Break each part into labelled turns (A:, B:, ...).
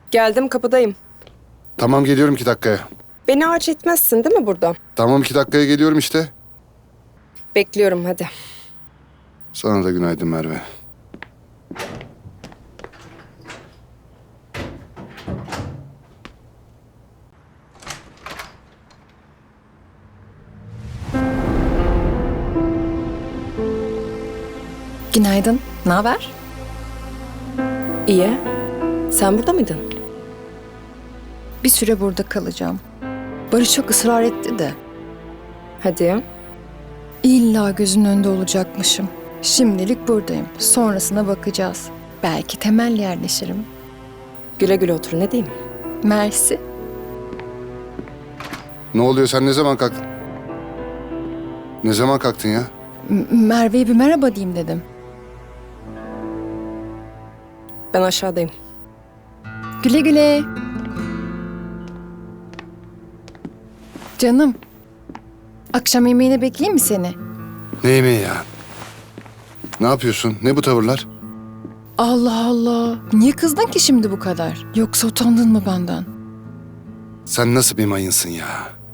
A: Geldim, kapıdayım.
B: Tamam, geliyorum 2 dakikaya.
A: Beni harç etmezsin değil mi burada?
B: Tamam, 2 dakikaya geliyorum işte.
A: Bekliyorum hadi.
B: Sana da günaydın Merve.
C: Günaydın. Ne haber?
A: İyi. Sen burada mıydın?
C: Bir süre burada kalacağım. Barış çok ısrar etti de.
A: Hadi ya.
C: İlla gözünün önünde olacakmışım. Şimdilik buradayım. Sonrasına bakacağız. Belki temel yerleşirim.
A: Güle güle otur, ne diyeyim?
C: Mersi.
B: Ne oluyor, sen ne zaman kalktın? Ne zaman kalktın ya?
C: Merve'ye bir merhaba diyeyim dedim.
A: Ben aşağıdayım.
C: Güle güle. Canım. Akşam yemeğine bekleyeyim mi seni?
B: Ne yemeği ya? Ne yapıyorsun? Ne bu tavırlar?
C: Allah Allah. Niye kızdın ki şimdi bu kadar? Yoksa utandın mı benden?
B: Sen nasıl bir mayınsın ya?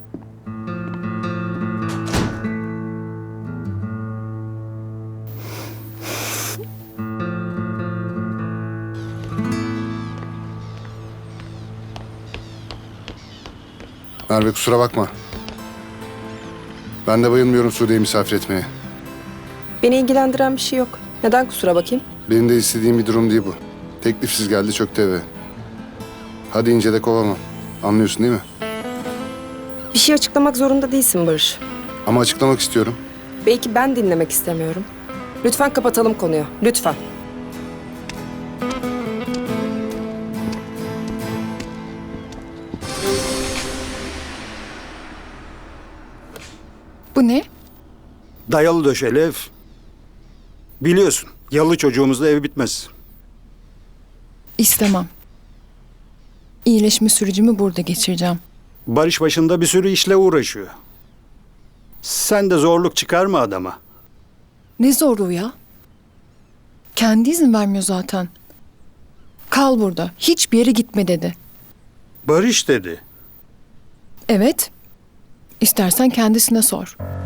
B: Merve, kusura bakma. Ben de bayılmıyorum Sude'yi misafir etmeye.
A: Beni ilgilendiren bir şey yok. Neden kusura bakayım?
B: Benim de istediğim bir durum değil bu. Teklifsiz geldi, çöktü eve. Hadi ince de kovamam. Anlıyorsun değil mi?
A: Bir şey açıklamak zorunda değilsin Barış.
B: Ama açıklamak istiyorum.
A: Belki ben dinlemek istemiyorum. Lütfen kapatalım konuyu. Lütfen.
C: Bu ne?
D: Dayalı döşeli ev. Biliyorsun, yalı çocuğumuzla ev bitmez.
C: İstemem. İyileşme sürecimi burada geçireceğim.
D: Barış başında bir sürü işle uğraşıyor. Sen de zorluk çıkarma adama.
C: Ne zorluğu ya? Kendi izin vermiyor zaten. Kal burada. Hiçbir yere gitme dedi.
D: Barış dedi.
C: Evet. İstersen kendisine sor.